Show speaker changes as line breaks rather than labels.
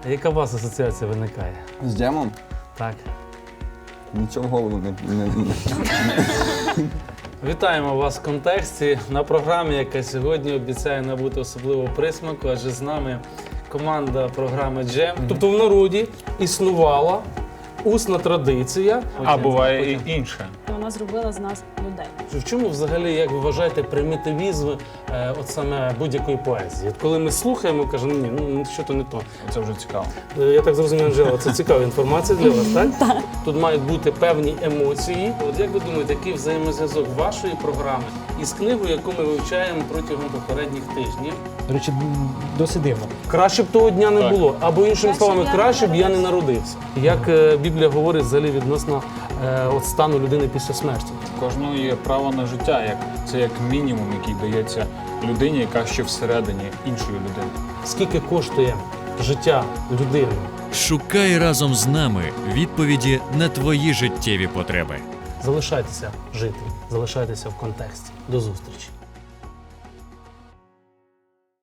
Яка у вас асоціація виникає?
З джемом?
Так.
Нічого в голову не...
Вітаємо вас в контексті на програмі, яка сьогодні обіцяє набути особливого присмаку, адже з нами команда програми «Джем». Тобто в народі існувала усна традиція.
А буває і інше.
Вона зробила з нас людей.
В чому взагалі, як ви вважаєте, примітивізм от саме будь-якої поезії? От коли ми слухаємо, кажемо, ні, ну що то не то.
Це вже цікаво.
Я так зрозумів, Анжела, це цікава інформація для вас, так? Так. Тут мають бути певні емоції. От як ви думаєте, який взаємозв'язок вашої програми із книгою, яку ми вивчаємо протягом попередніх тижнів?
До речі, досить дивно.
Краще б того дня не
Так.
було. Або іншими
Краще б
словами,
я не
краще б я не
народився.
народився. Як Біблія говорить взагалі відносно от стану людини після смерті?
Кожного є право на життя. Це як мінімум, який дається людині, яка ще всередині іншої людини.
Скільки коштує життя людини?
Шукай разом з нами відповіді на твої життєві потреби.
Залишайтеся жити, залишайтеся в контексті. До зустрічі.